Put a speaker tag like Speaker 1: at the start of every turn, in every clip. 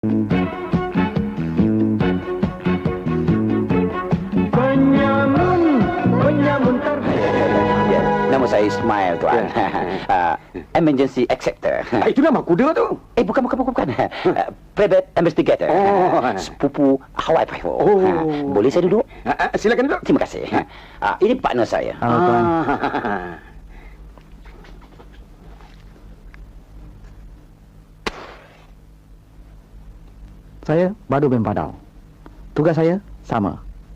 Speaker 1: Penyamun
Speaker 2: Ya, nama saya Ismail, tuan. Emergency acceptor.
Speaker 3: Itu nama kuda tu.
Speaker 2: Bukan. Private investigator.
Speaker 3: Oh.
Speaker 2: Sepupu Hawaii Five-O.
Speaker 3: Oh.
Speaker 2: Boleh saya duduk?
Speaker 3: Silakan duduk.
Speaker 2: Terima kasih. Ini partner saya.
Speaker 1: Halo, tuan. Saya Badu bin Padau. Tugas saya sama.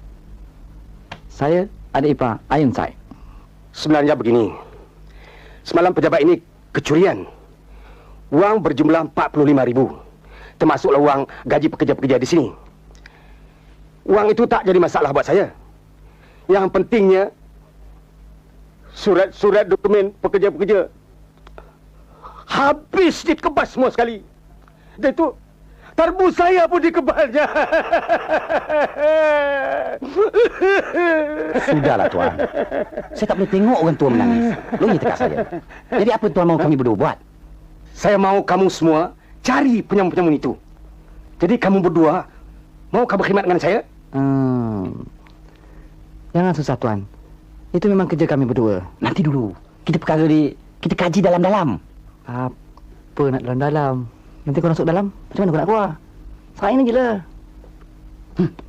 Speaker 1: Saya adik ipar Ayun Sai.
Speaker 3: Sebenarnya begini. Semalam pejabat ini kecurian. Wang berjumlah 45,000. Termasuklah wang gaji pekerja-pekerja di sini. Wang itu tak jadi masalah buat saya. Yang pentingnya surat-surat dokumen pekerja-pekerja habis dikebas semua sekali. Dan itu tarbus saya pun dikebalnya.
Speaker 2: Sudahlah, tuan. Saya tak boleh tengok orang tua menangis. Lagi tekak saya. Jadi apa tuan mahu kami berdua buat?
Speaker 3: Saya mau kamu semua cari penyamun-penyamun itu. Jadi kamu berdua mau kamu berkhidmat dengan saya?
Speaker 1: Jangan susah, tuan. Itu memang kerja kami berdua.
Speaker 2: Nanti dulu. Kita kaji dalam-dalam.
Speaker 1: Apa nak dalam-dalam? Nanti kau masuk dalam, macam mana kau nak keluar? Saing je lah.